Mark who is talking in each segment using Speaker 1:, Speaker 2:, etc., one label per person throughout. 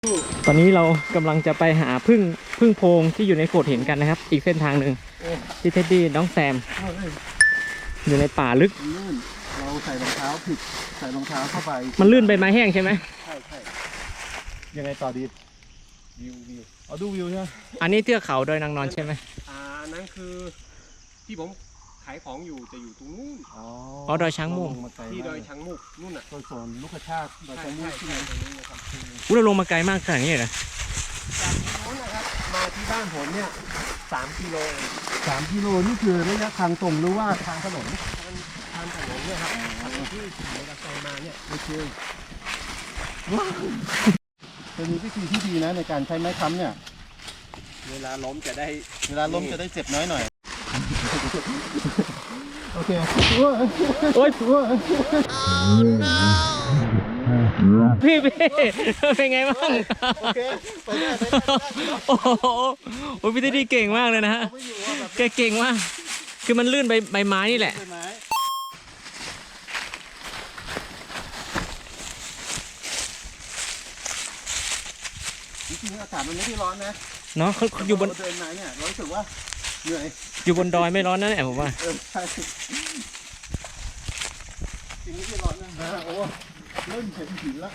Speaker 1: ตอนนี้เรากำลังจะไปหาพึ่งโพรงที่อยู่ในโขดหินกันนะครับอีกเส้นทางหนึ่งที่เท็ดดี้น้องแซมอยู่ในป่าลึก
Speaker 2: ลื่นเราใส่รองเท้าผิดใส่รองเท้าเข้าไป
Speaker 1: มันลื่นใบไม้แห้งใช่ไหม
Speaker 2: ใช่ยังไงต่อดีวิวเอาดูวิวใช่ไหม
Speaker 1: อันนี้เทือกเขาดอยนางนอนใช่ไหม
Speaker 3: นั่นคือที่ผมขายของอยู่จะอยู่ตรงนู้น
Speaker 1: อ๋อดอยช้างมุก
Speaker 3: ที่ดอยช้างมุกนู่นน่ะ
Speaker 2: โซนลูกชาติดอยช้างมุกที่ไหนตรงนี้นะครับ
Speaker 1: เราลงมาไกลมากขนาดนี้เลยนะ
Speaker 3: จากที่โน้นนะครับมาที่บ้านผมเนี่ย3 กิโล
Speaker 2: 3 กิโลนี่คือระยะทางตรงหรือว่าทางถนน
Speaker 3: ทางถนนเนี่ยครับทางที่ขี่มอเตอร์ไซค์มาเนี่ย
Speaker 2: โอเคเป็นวิธีที่ดีนะในการใช้ไม้ค้ำเนี่ย
Speaker 3: เวลาล้มจะได้
Speaker 2: เจ็บน้อยหน่อยโอเค
Speaker 1: โอ๊ยพี่เป็นไงบ้าง
Speaker 2: โอเคไปได้
Speaker 1: โอ้โหพี่เท็ดดี้เก่งมากเลยนะฮะแกเก่งมากคือมันลื่นใบไม้นี่แหละ
Speaker 2: จริงๆอากาศมันไม่ได้ร้อนนะ
Speaker 1: เนาะเขาอยู่บน
Speaker 2: เดินมาเนี่ยรู้สึกว่าเหนื่อย
Speaker 1: อยู่บนดอยไม่ร้อนนะเนี่ยผมว่า
Speaker 2: ใช่จริงไม่ร้อนนะโอ้เริ่มเห็นหินแล้ว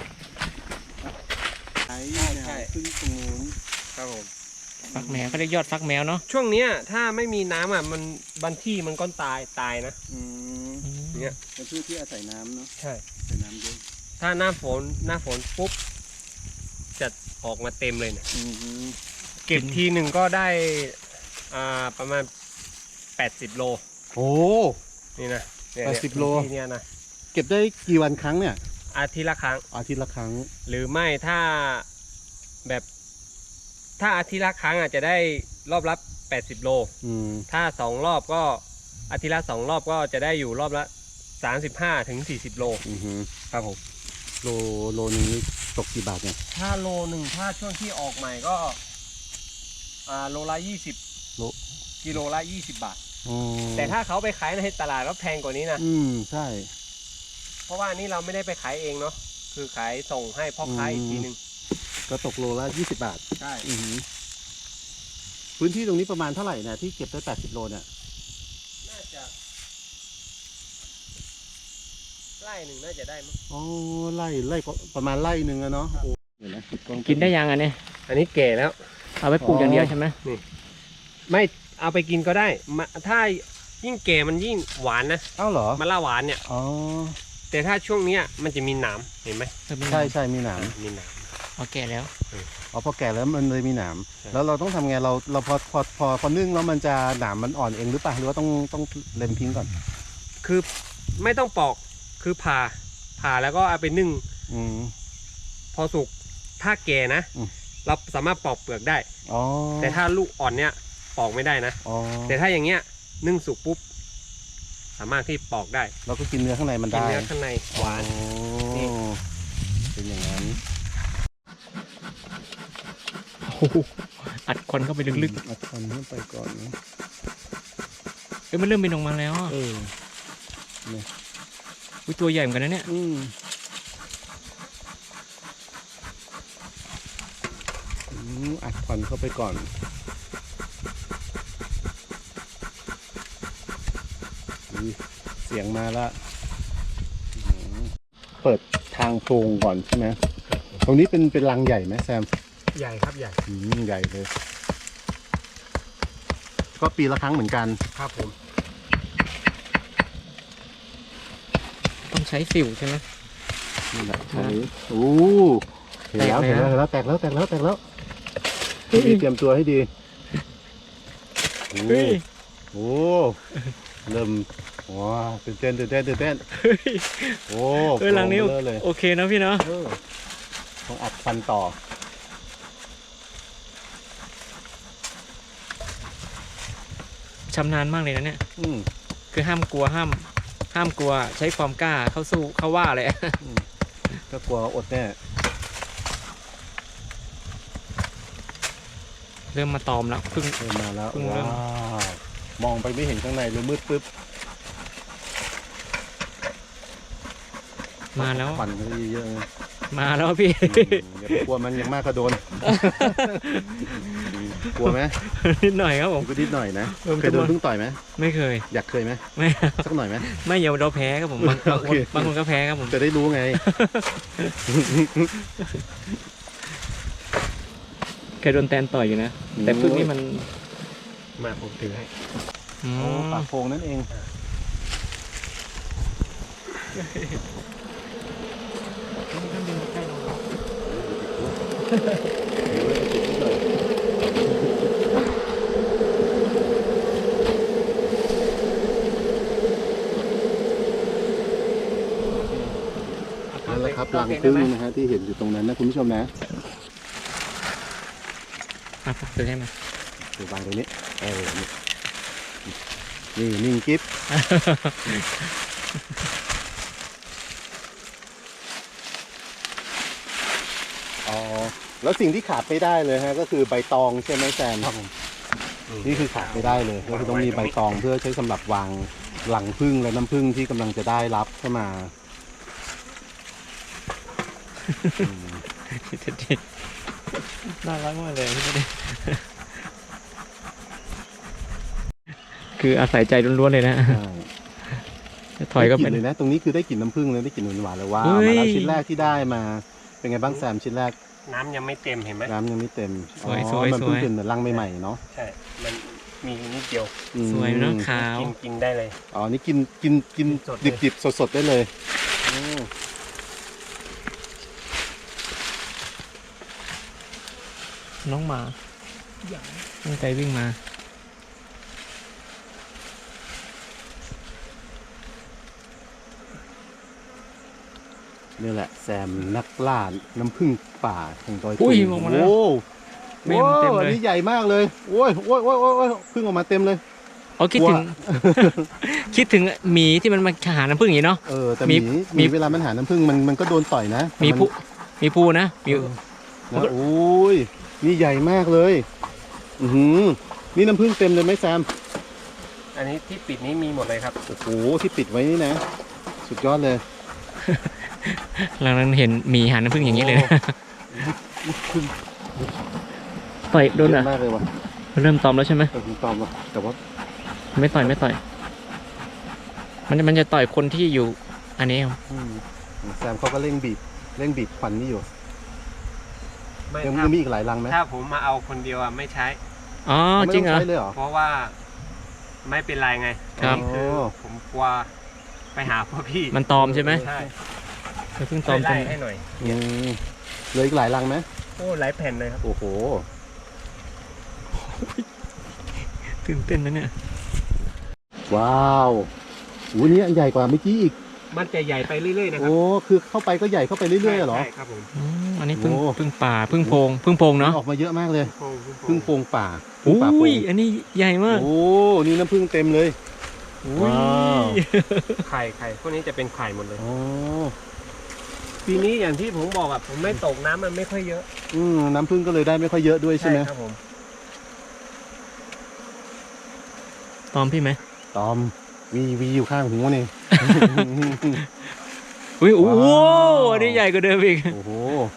Speaker 2: ใช่ขึ้นตรงนู้น
Speaker 3: ครับผม
Speaker 1: ฟักแมวเขาเรียกยอดฟักแมวเนาะ
Speaker 3: ช่วงเนี้ยถ้าไม่มีน้ำอ่ะมันบางที่มันก็ตายนะ
Speaker 2: เนี่ยเป็นพืชที่อาศัยน้ำเนาะ
Speaker 3: ใช่
Speaker 2: อาศัยน้ำเยอะ
Speaker 3: ถ้าหน้าฝนปุ๊บจะออกมาเต็มเลยเนี่ยเก็บทีหนึ่งก็ได้ประมาณ80 โล
Speaker 2: โอ้
Speaker 3: นี่นะ
Speaker 2: 80 โล
Speaker 3: เนี่ยนะ
Speaker 2: เก็บได้กี่วันครั้งเนี่ย
Speaker 3: อาทิตย์ละครั้งหรือไม่ถ้าอาทิตย์ละครั้งอาจจะได้รอบละ80 โลถ้า2 รอบก็อาทิตย์ละ2 รอบก็จะได้อยู่รอบละ35 ถึง 40 โลครับผม
Speaker 2: โลนี้ตกกี่บาทเนี่ย
Speaker 3: ถ้าโลหนึ่งถ้าช่วงที่ออกใหม่ก็โลละ20กิโลละ20 บาทแต่ถ้าเขาไปขายในตลาดก็แพงกว่านี้นะ
Speaker 2: ใช่
Speaker 3: เพราะว่านี่เราไม่ได้ไปขายเองเนาะคือขายส่งให้พ่อค้าอีกทีนึง
Speaker 2: ก็ตกโลละ20 บาท
Speaker 3: ใช่
Speaker 2: พื้นที่ตรงนี้ประมาณเท่าไหร่เนี่ยที่เก็บได้80 โลเนี่ย
Speaker 3: น่าจะไร่หนึ่งน่าจะได้มั้ง
Speaker 2: อ๋อไร่ประมาณไร่หนึ่งอะเนาะ
Speaker 1: กินได้ยังอันนี้
Speaker 3: แก่แล้ว
Speaker 1: เอาไปปลูกอย่างเดียวใช่ไหม
Speaker 3: นี่ไม่เอาไปกินก็ได้ถ้ายิ่งแก่มันยิ่งหวานนะ
Speaker 2: อ้าวเหรอ
Speaker 3: มะละหวานเนี่ยแต่ถ้าช่วงนี้มันจะมีหนามเห็นไหม
Speaker 2: ใช่มีหนาม
Speaker 1: พอแก่แล้ว
Speaker 2: พอแก่แล้วมันเลยมีหนามแล้วเราต้องทำไงเราพอนึ่งแล้วมันจะหนามมันอ่อนเองหรือเปล่าหรือว่าต้องเล็มทิ้งก่อน
Speaker 3: คือไม่ต้องปอกคือผ่าแล้วก็เอาไปนึ่งพอสุกถ้าแก่นะเราสามารถปอกเปลือกได้แต่ถ้าลูกอ่อนเนี้ยปอกไม่ได้นะแต่ถ้าอย่างเงี้ยนึ่งสุกปุ๊บสามารถที่ปอกได้
Speaker 2: เราก็กินเนื้อข้างในมันได้
Speaker 3: กินเนื้อข้างในหวาน
Speaker 2: นี่เป็นอย่างนั้น
Speaker 1: อัดควันเข้าไปลึก
Speaker 2: ๆอัดควันเข้าไปก่อนนะ
Speaker 1: มันเริ่มเป็นออกมาแล้วตัวใหญ่เหมือนกันนะเนี่ย
Speaker 2: อัดควันเข้าไปก่อนเสียงมาละเปิดทางโพรงก่อนใช่ไหมตรงนี้เป็นรังใหญ่ไหมแซม
Speaker 3: ใหญ่ครับใหญ่
Speaker 2: ใหญ่เลยก็ปีละครั้งเหมือนกัน
Speaker 3: ครับผม
Speaker 1: ต้องใช้สิวใช่ไหม
Speaker 2: นี่แหละโอ้เห็นแล้วแตกแล้วเตรียมตัวให้ดีโอ้เริ่มว้าตื่นเต้นโอ้
Speaker 1: รังนี้โอเคนะพี่เนาะ
Speaker 2: ต้องอัดฟันต่อ
Speaker 1: ชำนาญมากเลยนะเนี่ยคือห้ามกลัวใช้ความกล้าเข้าสู้เข้าว่าเลย
Speaker 2: ก็กลัวอดแน่
Speaker 1: เริ่มมาตอมแล้วเ
Speaker 2: ริ่มมาแล้วว้าวมองไปไม่เห็นข้างในเลยมืดปึ๊บ
Speaker 1: มาแล้ว
Speaker 2: ควันก็เยอะ
Speaker 1: มาแล้วพี่
Speaker 2: อย่าไปกลัวมันยังมากก็โดน กลัวไหม
Speaker 1: นิดหน่อยครับผม
Speaker 2: ก็นิดหน่อยนะ
Speaker 1: เออ
Speaker 2: เคยโดนพึ่งต่อยไหม
Speaker 1: ไม่เคย
Speaker 2: อยากเคยไหม
Speaker 1: ไม่
Speaker 2: สักหน่อยไหม
Speaker 1: ไม่อย่าเราแพ้ครับผมบาง
Speaker 2: โอเค
Speaker 1: บางคนก็แพ้ครับผม
Speaker 2: จะได้รู้ไง
Speaker 1: เคยโดนแตนต่อยอยู่นะแต่พึ่งนี่มัน
Speaker 3: มาผมถือให้
Speaker 1: อื
Speaker 2: โอ้
Speaker 1: ม
Speaker 2: ปากโพงนั่นเอง นั่นแหละครับรังพึ่งนะฮะที่เห็นอยู่ตรงนั้นนะคุณผู้ชมนะ
Speaker 1: อ่ะซื้อให้มา
Speaker 2: ดูวางตรงนี้นี่นิ่งกิ๊บอ๋อแล้วสิ่งที่ขาดไม่ได้เลยฮะก็คือใบตองใช่ไหมแซมนี่คือขาดไม่ได้เลยก็คือต้องมีใบตองเพื่อใช้สำหรับวางหลังพึ่งและน้ำพึ่งที่กำลังจะได้รับเข้ามา
Speaker 1: น่ารักมากเลยพี่เด็คืออาศัยใจล้วนๆเลยนะถอยก็
Speaker 2: ได้ก
Speaker 1: เป็
Speaker 2: ลิ่
Speaker 1: น
Speaker 2: นเลยนะตรงนี้คือได้กลิ่นน้ำผึ้งเลยได้กลิ่นหวานๆเลยว่า
Speaker 1: เฮ้ย
Speaker 2: มาแล้วชิ้นแรกที่ได้มาเป็นไงบ้างแซมชิ้นแรก
Speaker 3: น้ำยังไม่เต็มเห็นไหม
Speaker 2: น้ำยังไม่เต็ม
Speaker 1: สวย
Speaker 2: อ๋อ
Speaker 1: สวย
Speaker 2: มัน
Speaker 1: ส
Speaker 2: เพิ่
Speaker 1: ว
Speaker 2: ง
Speaker 1: ย
Speaker 2: เป็นเหมือนรังใหม่ๆเนาะ
Speaker 3: ใช่ มันมีนิดเดียว
Speaker 2: อืม
Speaker 1: สวยเนาะขาว
Speaker 3: กินได้เลย
Speaker 2: อ๋อนี่กิน
Speaker 3: สดเลย
Speaker 2: ดิบๆสดๆได้เลยอืม
Speaker 1: น้องหมาตั้งใจวิ่งมา
Speaker 2: นี่แหละแซมนักล่าน้ำผึ้งป่าแห่งดอย
Speaker 1: อุ้
Speaker 2: ตุ
Speaker 1: ย
Speaker 2: ง
Speaker 1: ออกมาแล้ว
Speaker 2: โอ้
Speaker 1: แม่มันเต็มเลย
Speaker 2: อันนี้ใหญ่มากเลยโอ้ยพึ่งออกมาเต็มเลย
Speaker 1: อ๋อคิดถึง
Speaker 2: ว่า
Speaker 1: คิดถึงหมีที่มันมาหาน้ำผึ้งอย่างนี้เนาะ
Speaker 2: แต่
Speaker 1: มี
Speaker 2: หมีเวลามันหาน้ำผึ้งมันก็โดนต่อยนะ
Speaker 1: มีผู้มีภูนะมี
Speaker 2: นะโอ้ยนี่ใหญ่มากเลยอือหือนี่น้ำผึ้งเต็มเลยไหมแซม
Speaker 3: อันนี้ที่ปิดนี้มีหมดเลยครับ
Speaker 2: โอ้โหที่ปิดไว้นี่นะ สุดยอดเลย
Speaker 1: หลังนั้นเห็นหมีหาน้ำผึ้งอย่างนี้เลยนะต่อยโดน
Speaker 2: เย
Speaker 1: อ่ะ
Speaker 2: อะมากเลยว่ะ
Speaker 1: เริ่มตอมแล้วใช่ไหม
Speaker 2: คุณตอมว่ะแต่ว่า
Speaker 1: ไม่ต่อยมันจะต่อยคนที่อยู่อันนี้ครับ
Speaker 2: อืมแซมเขาก็เร่งบีบควันนี่อยู่
Speaker 3: ไม่
Speaker 2: ยัง
Speaker 3: ถ้า
Speaker 2: มีอีกหลายรังไหม
Speaker 3: ถ้าผมมาเอาคนเดียวอ่ะไม่ใช้
Speaker 1: อ๋อ
Speaker 2: ไม่
Speaker 1: จริง
Speaker 2: ต้
Speaker 1: เหรอ
Speaker 2: ใช้เลยเหรอ
Speaker 3: เพราะว่าไม่เป็นไรไง
Speaker 1: ครับ
Speaker 3: อันนี้คือผมกลัวไปหาพ่อพี่
Speaker 1: มันตอมใช่ไหม
Speaker 3: ใช่
Speaker 1: เพิ่งต
Speaker 3: ช่
Speaker 1: อ
Speaker 3: ว
Speaker 1: ม
Speaker 3: ย
Speaker 1: จ
Speaker 3: ไล่
Speaker 1: น
Speaker 3: ให้หน่อย
Speaker 2: อืมเหลืออีกหลายรังไหม
Speaker 3: โอ้หลายแผ่นเลยครับ
Speaker 2: โอ้โห
Speaker 1: ตื่นเต้นนะเนี่ย
Speaker 2: ว้าวอู้นี่อันใหญ่กว่าเมื่อกี้อีก
Speaker 3: มันจะใหญ่ไปเรื่อยๆนะครั
Speaker 2: โอ้คือเข้าไปก็ใหญ่เข้าไปเรื่อยๆเหรอ
Speaker 3: ใช่ครับผม
Speaker 1: อันนี้พึ่ง
Speaker 2: โอ้
Speaker 1: พึ่งป่าพึ่งโพงเนาะ
Speaker 2: ออกมาเยอะมากเลย
Speaker 3: โอ้โห
Speaker 2: พึ่งโพงป่า
Speaker 1: อุ้
Speaker 2: ป่าโพ
Speaker 1: ย
Speaker 2: ง
Speaker 1: อันนี้ใหญ่มาก
Speaker 2: โอ้นี่น้ำผึ้งเต็มเลย ว้าว
Speaker 3: ไข่พวกนี้จะเป็นไข่หมดเลย
Speaker 2: อ๋อ
Speaker 3: ปีนี้อย่างที่ผมบอกอ่ะผมไม่ตกน้ำมันไม่ค่อยเยอะ
Speaker 2: น้ำผึ้งก็เลยได้ไม่ค่อยเยอะด้วยใช่ไหม
Speaker 3: ครับผม
Speaker 1: ตอมพี่ไหม
Speaker 2: ตอมวีอยู่ข้างหูนี่
Speaker 1: อุ้ยโอ้โห
Speaker 2: ว้าว
Speaker 1: อันนี้ใหญ่กว่าเดิมอีก
Speaker 2: โอ้โห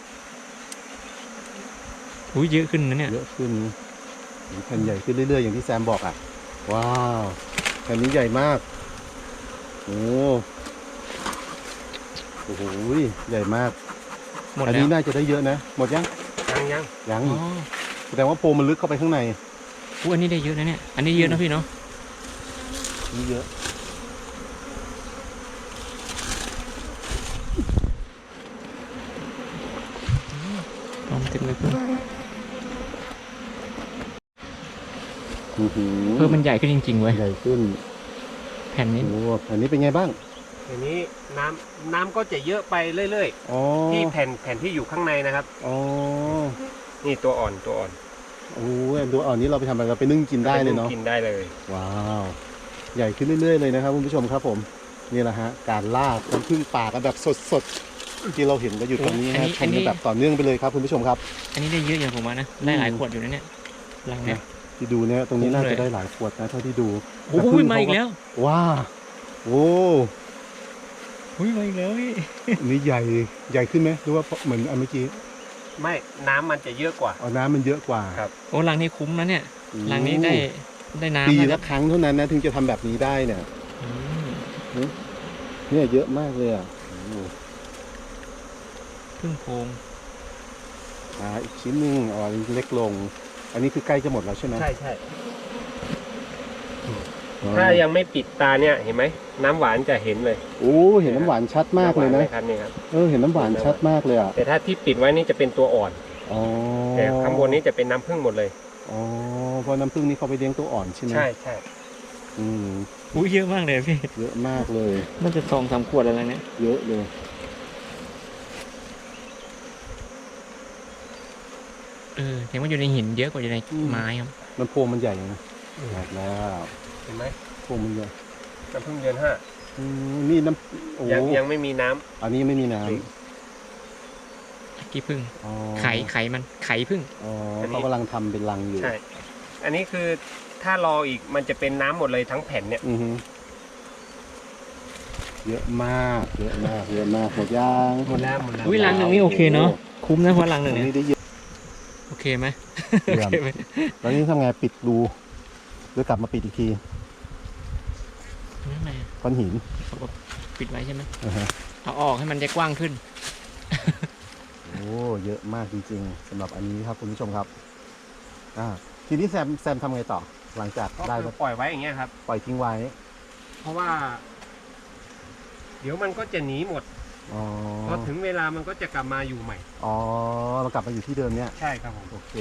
Speaker 1: อุ้ยเยอะขึ้นนะเนี่ย
Speaker 2: เยอะขึ้นแผ่นใหญ่ขึ้นเรื่อยๆอย่างที่แซมบอกอ่ะ ว้าวแผ่นนี้ใหญ่มากโอ้โหใหญ่มาก
Speaker 1: หมด
Speaker 2: อัน
Speaker 1: แล้
Speaker 2: นี้
Speaker 1: ว
Speaker 2: น่าจะได้เยอะนะ หมดยัง
Speaker 3: ยัง
Speaker 2: ยัง
Speaker 1: อ๋
Speaker 2: อี
Speaker 1: อก
Speaker 2: แสดงว่าโพรงมันลึกเข้าไปข้างใน
Speaker 1: อุ้ยอันนี้ได้เยอะนะเนี่ย อันนี้เยอะนะพี่เนาะ
Speaker 2: นี่เยอะ
Speaker 1: ตอมเต็มเลยเพิ่ม
Speaker 2: อื้อหือ
Speaker 1: เพิ่มมันใหญ่ขึ้นจริงๆเว้ย
Speaker 2: ใหญ่ขึ้น
Speaker 1: แผ่นนี้
Speaker 2: โอ้อันนี้เป็นไงบ้าง
Speaker 3: ทีนี้น้ำก็จะเยอะไปเรื่อย
Speaker 2: อ๋อ
Speaker 3: ๆที่แผ่นที่อยู่ข้างในนะครับ
Speaker 2: อ๋อ
Speaker 3: นี่ตัวอ่อน
Speaker 2: โอ้ยดูอ่อนนี้เราไปทำอะไรเราไปนึ่งกินได้เลยเนาะ
Speaker 3: กินได้เลย
Speaker 2: ว้าว ใหญ่ขึ้นเรื่อยๆเลยนะครับคุณผู้ชมครับผม นี่แหละฮะ การล่าน้ำผึ้งป่ากันแบบสดๆ ที่เราเห็นกันอยู่ตรงนี้นะชมกันแบบต่อเนื่องไปเลยครับคุณผู้ชมครับ
Speaker 1: อันนี้ได้เยอะอย่างผมว่านะ ได้หลายขวดอยู่นะเนี่ยรังเนี้ย
Speaker 2: ที่ดูเนี่ยตรงนี้น่า
Speaker 1: คุ้มเลย
Speaker 2: จะได้หลายขวดนะเท่าที่ดู
Speaker 1: โอ้โห
Speaker 2: แต่ผึ้ง
Speaker 1: มาอีกแล้ว
Speaker 2: ว้าโอ้
Speaker 1: อุ้ยมาอีกแล้วพี่
Speaker 2: อันนี้ใหญ่ขึ้นไหมหรือว่าเหมือนอันเมื่อกี้
Speaker 3: ไม่น้ำมันจะเยอะกว่า
Speaker 2: อ๋อน้ำมันเยอะกว่า
Speaker 3: ครับ
Speaker 1: โอ้รังนี้คุ้มนะเนี่ยรังนี้ได้น้ำ
Speaker 2: ปี
Speaker 1: นะค
Speaker 2: ละ
Speaker 1: รับ
Speaker 2: ครั้งเท่านั้นนะถึงจะทำแบบนี้ได้เนี่ย
Speaker 1: อืม
Speaker 2: เนี่ยเยอะมากเลยอ่ะโอ้
Speaker 1: พึ่งโพรง
Speaker 2: อีกชิ้นหนึงอ๋อเล็กลง อันนี้คือใกล้จะหมดแล้วใช่ไหม
Speaker 3: ใช่ใช่
Speaker 2: อ๋อ
Speaker 3: ถ้ายังไม่ปิดตาเนี่ยเห็นไหมน้ำหวานจะเห็นเลย
Speaker 2: โอ้เห็นน้ำหวานชัดมากเลยนะ
Speaker 3: ครับนี่ครับ
Speaker 2: เห็นน้ำหวานชัดมากเลยอ่ะ
Speaker 3: แต่ถ้าที่ปิดไว้นี่จะเป็นตัวอ่อน
Speaker 2: อ๋อ
Speaker 3: แต่ข้างบนนี้จะเป็นน้ำผึ้งหมดเลย
Speaker 2: อ๋อเพราะน้ำผึ้งนี่เขาไปเลี้ยงตัวอ่อนใช่ไหม
Speaker 3: ใช่ใช่
Speaker 2: อืม
Speaker 1: อุ้ยเยอะมากเลยพี่
Speaker 2: เยอะมากเลย
Speaker 1: น่าจะ2-3 ขวดอะไรเนี่ย
Speaker 2: เยอะเลย
Speaker 1: เห็นว่าอยู่ในหินเยอะกว่าอยู่ในไม้ครับ
Speaker 2: มันโพรงมันใหญ่นะใหญ่แล้ว
Speaker 3: เห็นไหม
Speaker 2: โพรงมันใหญ่
Speaker 3: น้ำผึ้งเดือนห้า
Speaker 2: นี่น้ำโอ้
Speaker 3: ยังไม่มีน้ำ
Speaker 2: อันนี้ไม่มีน้
Speaker 1: กี่พึ่ง
Speaker 2: ำอ๋อ
Speaker 1: ไข่มันไข่พึ่ง
Speaker 2: อ๋อเขากำลังทำเป็นรังอยู่
Speaker 3: ใช่ อันนี้คือถ้ารออีกมันจะเป็นน้ำหมดเลยทั้งแผ่นเนี่ย
Speaker 2: อือฮึเยอะมากเยอะมากเยอะมากหมดย่าง
Speaker 3: หมดแล้วหมดแล้ว
Speaker 1: อุ้ยรังหนึ่งนี่โอเคเนาะคุ้มนะเพราะรังหนึ่ง
Speaker 2: อัน
Speaker 1: เนี่ย
Speaker 2: นี้ได้เยอะ
Speaker 1: โอเคไหม
Speaker 2: เยี่ยม
Speaker 1: โอเคไหม
Speaker 2: แล้วนี่ทำไงปิดรูหรือกลับมาปิดอีกที
Speaker 1: นั่นไง
Speaker 2: ก้อนหิน
Speaker 1: ปิดไว้ใช่ไหม
Speaker 2: อ่าฮะ
Speaker 1: เอาออกให้มันได้กว้างขึ้น
Speaker 2: โอ้เยอะมากจริงๆสำหรับอันนี้ครับคุณผู้ชมครับทีนี้แซมทำไงต่อ หลังจาก
Speaker 3: ก็
Speaker 2: ได้
Speaker 3: คือปล่อยไว้อย่างเงี้ยครับ
Speaker 2: ปล่อยทิ้งไว้
Speaker 3: เพราะว่า เดี๋ยวมันก็จะหนีหมด
Speaker 2: อ๋อ
Speaker 3: พอถึงเวลามันก็จะกลับมาอยู่ใหม่
Speaker 2: อ๋อเรากลับมาอยู่ที่เดิมเนี่ย
Speaker 3: ใช่ครับผม
Speaker 2: โอเค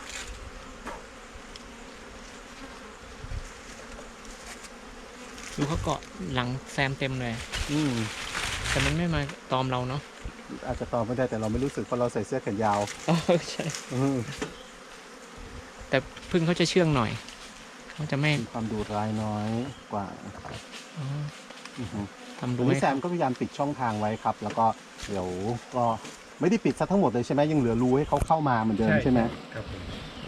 Speaker 1: ดูเขาเกาะหลังแซมเต็มเลย
Speaker 2: อืม
Speaker 1: แต่มันไม่มาตอมเราเนาะ
Speaker 2: อาจจะตอบไม่ได้แต่เราไม่รู้สึกเพราะเราใส่เสื้อแขนยาว
Speaker 1: อ๋อใช่
Speaker 2: อืม
Speaker 1: แต่พึ่งเขาจะเชื่องหน่อยเขาจะไม่
Speaker 2: มีความดุร้ายน้อยกว่า
Speaker 1: อ๋อ
Speaker 2: อือฮึ
Speaker 1: ทำดู
Speaker 2: วัน
Speaker 1: ให้
Speaker 2: นี้แซมก็พยายามปิดช่องทางไว้ครับ แล้วก็เดี๋ยวก็ไม่ได้ปิดซะทั้งหมดเลยใช่ไหมยังเหลือรูให้เขาเข้ามาเหมือนเดิมใช่ไหม
Speaker 3: ครับผม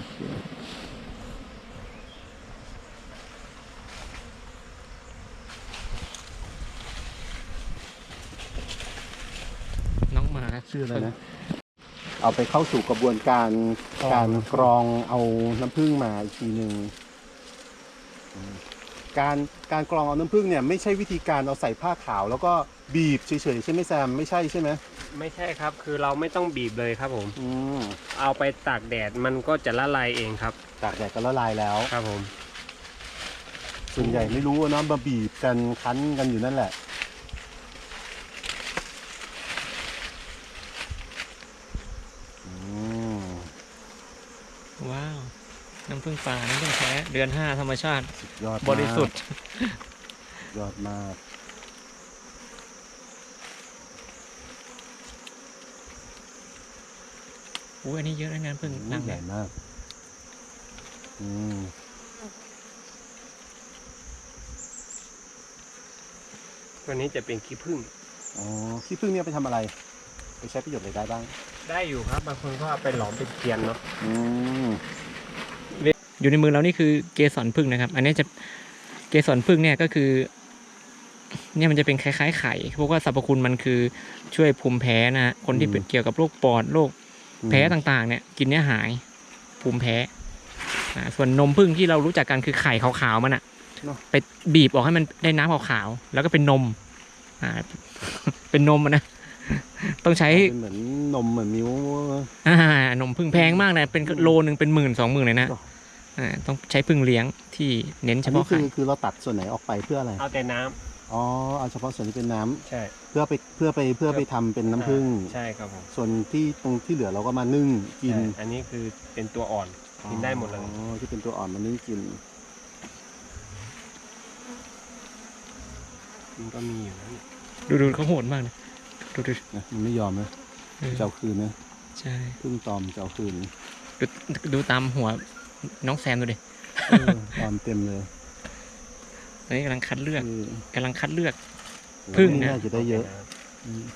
Speaker 1: น้องหมา
Speaker 2: ชื่ออะไรนะ เอาไปเข้าสู่กระบวนการการกรองเอาน้ำผึ้งมาอีกทีหนึ่งการกรองเอาน้ำผึ้งเนี่ยไม่ใช่วิธีการเอาใส่ผ้าขาว แล้วก็บีบเฉยๆใช่ไหมแซมไม่ใช่ใช่ไหม
Speaker 3: ไม่ใช่ครับ คือเราไม่ต้องบีบเลยครับผม
Speaker 2: อืม
Speaker 3: เอาไปตากแดดมันก็จะละลายเองครับ
Speaker 2: ตากแดดก็ละลายแล้ว
Speaker 3: ครับผม
Speaker 2: ส่วนใหญ่ไม่รู้อะเนาะมาบีบกันคั้นกันอยู่นั่นแหละอืม
Speaker 1: ว้าวน้ำผึ้งป่าน้ำผึ้งแท้เดือน 5ธรรมชาติ
Speaker 2: ยอดมาก
Speaker 1: บริสุทธิ์
Speaker 2: ยอดมาก
Speaker 1: อุ้ยอันนี้เยอะนะน้ำผึ้งรัง
Speaker 2: ให
Speaker 1: เนี่
Speaker 2: ญ่
Speaker 1: ย
Speaker 2: มากอืม
Speaker 3: ตัวนี้จะเป็นขี้ผึ้ง
Speaker 2: อ๋อขี้ผึ้งเนี่ยไปทำอะไร ไปใช้ประโยชน์อะไรได้บ้าง
Speaker 3: ได้อยู่ครับ บางคนก็เอาไปหลอมเป็นเทียนเนาะ
Speaker 2: อืม
Speaker 1: อยู่ในมือเรานี่คือเกสรผึ้งนะครับ อันนี้จะเกสรผึ้งเนี่ยก็คือ เนี่ยมันจะเป็นคล้ายๆไข่เพราะว่าสรรพคุณมันคือช่วยภูมิแพ้นะฮะคนที่เป็นเกี่ยวกับโรคปอดโรคแพ้ต่างๆ เนี่ยกินเนี่ยหายภูมิแพ้ส่วนนมผึ้งที่เรารู้จักกันคือไข่ขาวๆมันอะไปบีบออกให้มันได้น้ำขาวๆแล้วก็เป็นนมเป็นนมอะนะต้องใช้
Speaker 2: เป็นเหมือนนมเหมือนมิ้วน
Speaker 1: มผึ้งแพงมากนะเป็นโลนึงเป็น10,000-20,000เลยนะต้องใช้ผึ้งเลี้ยงที่เน้นเฉ
Speaker 2: อันนี้
Speaker 1: พาะไข่
Speaker 2: คือเราตัดส่วนไหนออกไปเพื่ออะไร
Speaker 3: เอาแต่น้ำ
Speaker 2: อ๋อเอาเฉพาะส่วนที่เป็นน้ำ
Speaker 3: ใช่
Speaker 2: เพื่อไปทำเป็นน้ำผึ้ง
Speaker 3: ใช่ครับผม
Speaker 2: ส่วนที่ตรงที่เหลือเราก็มานึ่งกิน
Speaker 3: ใช่อันนี้คือเป็นตัวอ่อน กินได้หมดเลย
Speaker 2: อ๋อที่เป็นตัวอ่อนมานึ่งกิน
Speaker 3: มันก็มีอยู่นะ
Speaker 1: ดูเขาโหดมากนะดู
Speaker 2: นะมันไม่ยอมนะจะเอาคืนนะ
Speaker 1: ใช่
Speaker 2: พึ่งตอมจะเอาคืน
Speaker 1: ดูตามหัวน้องแซมดูดิ
Speaker 2: ตอมเต็มเลย
Speaker 1: ตอนนี้กำลังคัดเลือก
Speaker 2: คือ
Speaker 1: กำลังคัดเลือก
Speaker 2: โอ้
Speaker 1: พึ่งนะ
Speaker 2: น่าจะได้เยอะอืม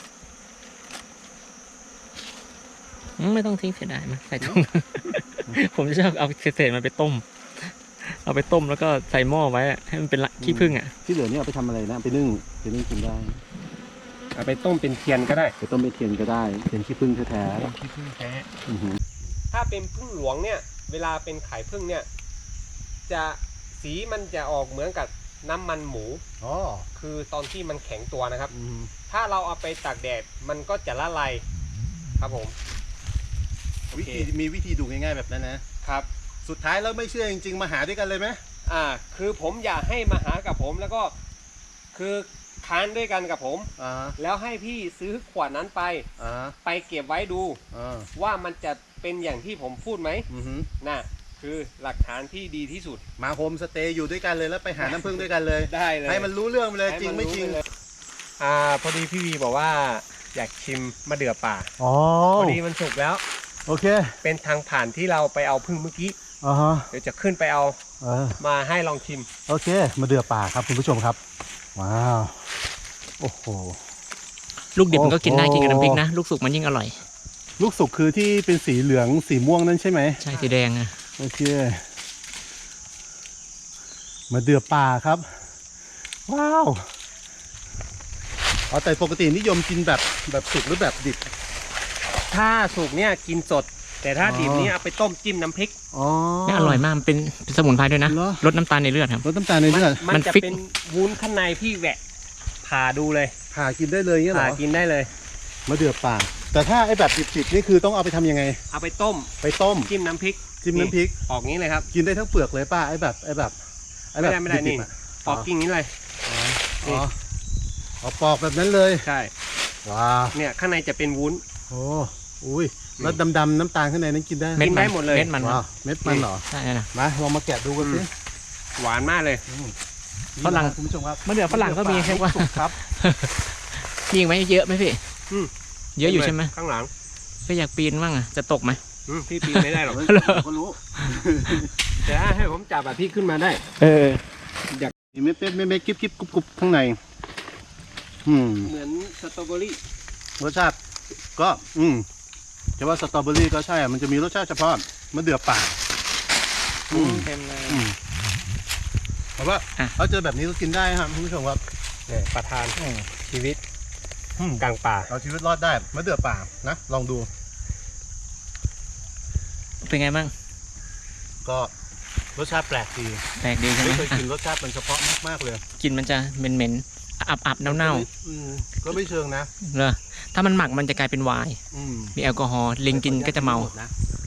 Speaker 1: ไม่ต้องทิ้งเสียดายมั้ยใส่ถุง ผมจะชอบเอาเศษๆมันไปต้ม เอาไปต้มแล้วก็ใส่หม้อไว้ให้มันเป็นขี้ผึ้งอ่ะ
Speaker 2: ที่เหลือเนี่ยเอาไปทำอะไรนะไปนึ่งกินได้
Speaker 3: เอาไปต้มเป็นเทียนก็ได้
Speaker 2: ไปต้มเป็นเทียนก็ได้เป็นขี้ผึ้งแท้
Speaker 1: ขี้ผึ้งแท้
Speaker 2: ๆอือหือ
Speaker 3: ถ้าเป็นผึ้งหลวงเนี่ยเวลาเป็นไข่ผึ้งเนี่ยจะสีมันจะออกเหมือนกับน้ำมันหมู
Speaker 2: อ๋อ
Speaker 3: คือตอนที่มันแข็งตัวนะครับ
Speaker 2: อืม
Speaker 3: ถ้าเราเอาไปตากแดดมันก็จะละลายครับผม
Speaker 2: วิธีมีวิธีดูง่ายๆแบบนั้นนะครับ สุดท้ายแล้วไม่เชื่อจริงๆมาหาด้วยกันเลยไหม
Speaker 3: คือผมอยากให้มาหากับผมแล้วก็คือทานด้วยกันกับผม
Speaker 2: อ่า
Speaker 3: แล้วให้พี่ซื้อขวดนั้นไป
Speaker 2: อ่า
Speaker 3: ไปเก็บไว้ดู
Speaker 2: อ่า
Speaker 3: ว่ามันจะเป็นอย่างที่ผมพูดไหม
Speaker 2: อือหือ
Speaker 3: น่ะคือหลักฐานที่ดีที่สุด
Speaker 2: มาโฮมสเตย์อยู่ด้วยกันเลยแล้วไปหาน้ำผึ้งด้วยกันเลย
Speaker 3: ได้เลย
Speaker 2: ให้มันรู้เรื่องไปเลย
Speaker 3: ให้
Speaker 2: จริง
Speaker 3: น
Speaker 2: ไม่จริง
Speaker 3: เลยพอดีพี่วีบอกว่าอยากชิมมะเดื่อป่า
Speaker 2: อ๋อ
Speaker 3: พอดีมันสุกแล้ว
Speaker 2: โอเค
Speaker 3: เป็นทางผ่านที่เราไปเอาพึ่งเมื่อกี้
Speaker 2: อ่าฮะ
Speaker 3: เดี๋ยวจะขึ้นไปเอามาให้ลองชิม
Speaker 2: โอเคมาเดือป่าครับคุณผู้ชมครับว้าวโอ้โห
Speaker 1: ลูกดิบมันก็กินได้
Speaker 2: โอ้โห
Speaker 1: กินกับน้ำพริกนะ ลูกสุกมันยิ่งอร่อย
Speaker 2: ลูกสุกคือที่เป็นสีเหลืองสีม่วงนั่นใช่ไหม
Speaker 1: ใช่สีแดงอะ
Speaker 2: โอเคมาเดือป่าครับว้าวอ๋อแต่ปกตินิยมกินแบบสุกหรือแบบดิบ
Speaker 3: ถ้าสุกเนี่ยกินสด แต่ถ้าดิบเนี่ยเอาไปต้มจิ้มน้ำพริก
Speaker 2: อ๋อ
Speaker 1: นี่อร่อยมากมันเป็นสมุนไพรด้วยนะ
Speaker 2: เหรอ
Speaker 1: ลดน้ำตาลในเลือดครับ
Speaker 2: รสน้ำตาลในเลือด
Speaker 3: มัน
Speaker 1: มัน
Speaker 3: จะ
Speaker 1: ฟิก
Speaker 3: เป็นวุ้นข้างในพี่แหวะผ่าดูเลย
Speaker 2: ผ่ากินได้เลยเงี้ยเหร
Speaker 3: ผ่า
Speaker 2: อ
Speaker 3: กินได้เลย
Speaker 2: มาเดือป่า แต่ถ้าไอ้แบบดิบๆนี่คือต้องเอาไปทำยังไง
Speaker 3: เอาไปต้ม
Speaker 2: ไปต้ม
Speaker 3: จิ้มน้ำพริก
Speaker 2: จิ้มน้ำพริก
Speaker 3: ออกงี้เลยครับ
Speaker 2: กินได้ทั้งเปลือกเลยป้าไอ้แบบ
Speaker 3: ไม่ได้
Speaker 2: ดิ
Speaker 3: นี่
Speaker 2: บๆอะ
Speaker 3: ออกกิ่งนี้เลย
Speaker 2: อ๋ออ๋อปอกแบบนั้นเลย
Speaker 3: ใช่
Speaker 2: ว้าว
Speaker 3: เนี่ยข้างในจะเป็นวุ้น
Speaker 2: โอ้อุ้ยแล้วดำๆน้ำตาลข้างในนั้นกินได้
Speaker 3: กินได้หมดเลย
Speaker 1: เม็ดมัน
Speaker 2: ว้าวเม็ดมันเหรอ
Speaker 1: ใช่นะ
Speaker 2: มาลองมาแกะดูกันสิ
Speaker 3: หวานมากเลย
Speaker 1: ฝรั่ง
Speaker 2: คุณผู้ชมครับ
Speaker 1: มะเดื่อฝรั่งก็มีแค่ว่า
Speaker 2: สุกครับ
Speaker 1: มีอีกไหมเยอะไหมพี่
Speaker 3: อืม
Speaker 1: เยอะอยู่ใช่ไหม
Speaker 3: ข้างหลัง
Speaker 1: พี่อยากปีนบ้างอะจะตกไหม
Speaker 3: พี่ปีนไม่ได้หรอก
Speaker 2: ก็รู้
Speaker 3: แต่ถ้าให้ผมจับแบบพี่ขึ้นมาได้
Speaker 1: เออ
Speaker 2: มีเม็ดกิ๊บกรุบข้างใน
Speaker 3: เหมือนสตรอเบอรี่
Speaker 2: รสชาติก็จะว่าสตรอเบอรี่ก็ใช่อะมันจะมีรสชาติเฉพาะมะเดื่อป่า
Speaker 1: เต็มเลย
Speaker 2: แต่ว่า
Speaker 1: อ่ะ
Speaker 2: เขาเจอแบบนี้ก็กินได้ครับคุณผู้ชมครับ
Speaker 3: เนี่ยประทานชีวิต
Speaker 2: อืม
Speaker 3: กลางป่า
Speaker 2: เอาชีวิตรอดได้มะเดื่อป่านะลองดู
Speaker 1: เป็นไงบ้าง
Speaker 2: ก็รสชาติแปลกดี
Speaker 1: แปลกดีใช่ไหม
Speaker 2: ไม่เคย
Speaker 1: อ่ะ
Speaker 2: กินรสชาติมันเฉพาะมากๆเลย
Speaker 1: กลินมันจะเหม็นๆอับๆเน่า
Speaker 2: ก็ไม่เชิงนะ
Speaker 1: ๆเลยถ้ามันหมักมันจะกลายเป็นไวน์
Speaker 2: อืม
Speaker 1: มีแอลกอฮอล์ลิงกินก็จะเมา
Speaker 2: นะ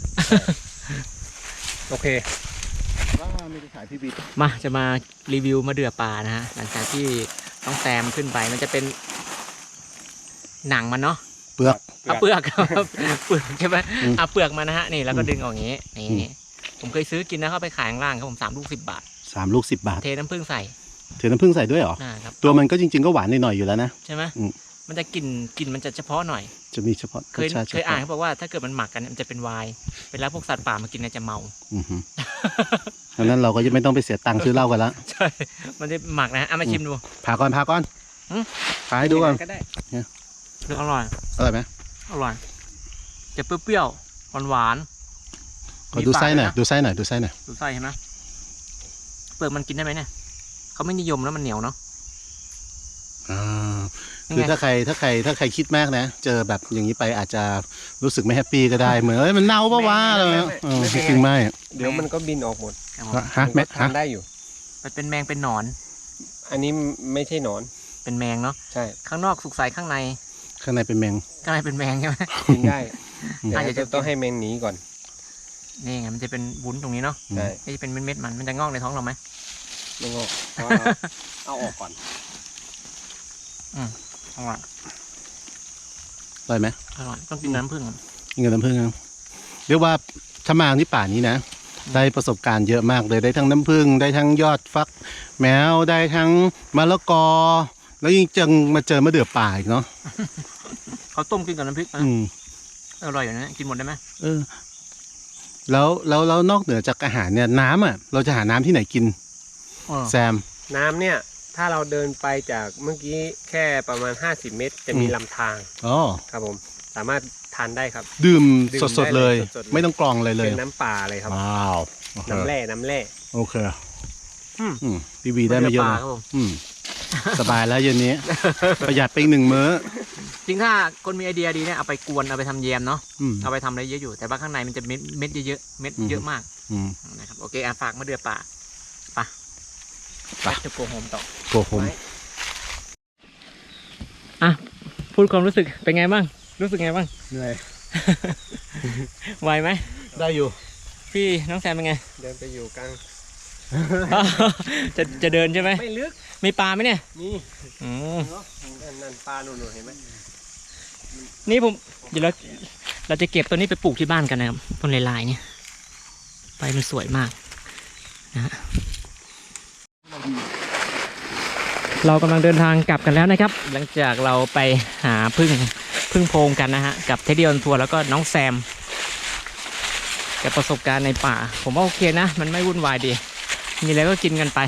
Speaker 3: โอเค
Speaker 2: ว่าไม่ได้ขายพี่บิ๊ก
Speaker 1: มาจะมารีวิวมะเดื่อป่านะฮะหลังจากที่ต้องแซมขึ้นไปมันจะเป็นหนังมันเนาะ
Speaker 2: เปลือก
Speaker 1: เอาเปลือก เปลือกใช่ไหม
Speaker 2: อืม
Speaker 1: เอาเปลือกมานะฮะนี่แล้วก็ดึงออกอย่างนี้
Speaker 2: อืม
Speaker 1: นี่ผมเคยซื้อกินนะเข้าไปขายข้างล่างครับผม3 ลูก 10 บาท
Speaker 2: 3 ลูก 10 บาท
Speaker 1: เทน้ำผึ้งใส่
Speaker 2: เทน้ำผึ้งใส่ด้วยเหรอ
Speaker 1: นะครับ
Speaker 2: ตัวมันก็จริงๆก็หวานหน่อยๆอยู่แล้วนะ
Speaker 1: ใช่ไหม
Speaker 2: อืม
Speaker 1: มันจะกลิ่นมันจะเฉพาะหน่อย
Speaker 2: จะมีเฉพาะ
Speaker 1: เคย
Speaker 2: รสชาติ
Speaker 1: เคยอ่านเขาบอกว่าถ้าเกิดมันหมักกันเนี่ยมันจะเป็นไวน์เวลาพวกสัตว์ป่ามากินเนี่ยจะเมา
Speaker 2: อือฮึดังนั้นเราก็จะไม่ต้องไปเสียตังค์ซื้อเหล้ากันละ
Speaker 1: ใช่ มันจะหมักนะฮะเอามาชิมดู
Speaker 2: ผ่าก่อน
Speaker 1: อืม
Speaker 2: ผ่าให้ดูก่อน
Speaker 3: ก็ได้
Speaker 1: ดูอร่อย
Speaker 2: อร่อยไหม
Speaker 1: อร่อย จะเปรี้ยวๆหวานๆ
Speaker 2: ขอดูไส้หน่อย
Speaker 1: มีปาก
Speaker 2: ดูไส้หน่อยดูไส้หน่อย
Speaker 1: ดูไส้เห็นไหมเปลือกมันกินได้ไหมเนี่ยเขาไม่นิยมแล้วมันเหนียวเนาะ
Speaker 2: อ่า
Speaker 1: ยังไง
Speaker 2: คือถ้าใครคิดมากนะ เจอแบบอย่างนี้ไปอาจจะรู้สึกไม่แฮปปี้ก็ได้ เหมือนมันเน่าปะวะอะไรเงี้ยจริงๆไม่
Speaker 3: เดี๋ยวมันก็บินออกหมด
Speaker 1: ครับผม
Speaker 2: ฮะ
Speaker 3: มัน
Speaker 2: แม่
Speaker 3: ก็ทานได้อยู่
Speaker 1: มันเป็นแมงเป็นหนอน
Speaker 3: อันนี้ไม่ใช่หนอน
Speaker 1: เป็นแมงเนาะ
Speaker 3: ใช่
Speaker 1: ข้างนอกสุกใสข้างใน
Speaker 2: ข้างในเป็นแมง
Speaker 1: ข้างในเป็นแมงใช่ไหม
Speaker 3: กินได้
Speaker 2: อืม
Speaker 3: แต่จะต้องให้แมงหนีก่อน
Speaker 1: นี่ไงมันจะเป็นวุ้นตรงนี้เนาะ
Speaker 3: ใช่
Speaker 1: นี่จะเป็นเม็ดๆมันจะงอกในท้องเราไหม
Speaker 3: ไม่งอกเอาออกก่อน
Speaker 1: อร่อย
Speaker 2: อร่อยไหม
Speaker 1: อร่อยต้องกินน้ำผึ้ง
Speaker 2: กินกับน้ำผึ้งนะเรียกว่าถ้ามาที่ป่านี้นะ ได้ประสบการณ์เยอะมากเลยได้ทั้งน้ำผึ้งได้ทั้งยอดฟัก แมวได้ทั้งมะละกอ แล้วยิ่งจังมาเจอมะเดื่อป่าอีกเนาะ
Speaker 1: เขาต้มกินกับน้ำพริกนะ
Speaker 2: อืม
Speaker 1: อร่อยอยู่นะกินหมดได้ไหม
Speaker 2: เออแล้วนอกเหนือจากอาหารเนี่ยน้ำอ่ะเราจะหาน้ำที่ไหนกิน
Speaker 1: อ๋อ
Speaker 2: แซม
Speaker 3: น้ำเนี่ยถ้าเราเดินไปจากเมื่อกี้แค่ประมาณ50 เมตร จะมีลำธาร
Speaker 2: อ๋อ
Speaker 3: ครับผมสามารถทานได้ครับ
Speaker 2: ดื่ม
Speaker 3: ดื่ม
Speaker 2: สดๆเลย
Speaker 3: ได้เลยสดๆเลย
Speaker 2: ไม่ต้องกรองอะไรเลย
Speaker 3: เป็นน้ำป่าเลยครับ
Speaker 2: ว้าว
Speaker 3: น้ำแร่
Speaker 2: โอเค
Speaker 3: อืม
Speaker 2: พี่วีได้มาเยอะ
Speaker 1: ปลา
Speaker 2: นะครับ
Speaker 1: ผม
Speaker 2: อืมสบายแล้วเย็นนี้ ประหยัดไปอีก1 มื้อ
Speaker 1: จริงถ้าคนมีไอเดียดีเนี่ยเอาไปกวนเอาไปทำแยมเนาะ
Speaker 2: อืม
Speaker 1: เอาไปทำอะไรเยอะอยู่แต่ว่าข้างในมันจะเม็ดเยอะๆเม็ดเยอะมาก
Speaker 2: อืม
Speaker 1: นะครับโอเคฝากมะเดื่อป่าไปจะโกโฮมต่อ
Speaker 2: โกหม
Speaker 1: อ่ะพูดความรู้สึกเป็นไงบ้างรู้สึกไงบ้าง
Speaker 2: เหนื่อย
Speaker 1: ไหวไหม
Speaker 2: ได้อยู่
Speaker 1: พี่น้องแซมเป็นไง
Speaker 3: เดินไปอยู่กลาง
Speaker 1: จะเดินใช่ไหม
Speaker 3: ไม่ลึก
Speaker 1: มีปลาไหมเนี่ย
Speaker 3: มี
Speaker 1: อืม
Speaker 3: เนาะนั่นปลาหนุนเห็นไหม
Speaker 1: นี่ผมเดี๋ยวเราจะเก็บตัวนี้ไปปลูกที่บ้านกันนะครับต้นลายๆเนี่ยใบมันสวยมากนะฮะเรากำลังเดินทางกลับกันแล้วนะครับ หลังจากเราไปหาพึ่งโพรงกันนะฮะกับเทดดี้ออนทัวร์แล้วก็น้องแซมกับประสบการณ์ในป่า ผมว่าโอเคนะ มันไม่วุ่นวายดี มีอะไรก็กินกันไป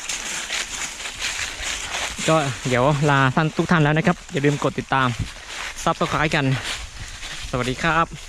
Speaker 1: ก็เดี๋ยวลาท่านทุกท่านแล้วนะครับ อย่าลืมกดติดตามซับสไครต์กัน สวัสดีครับ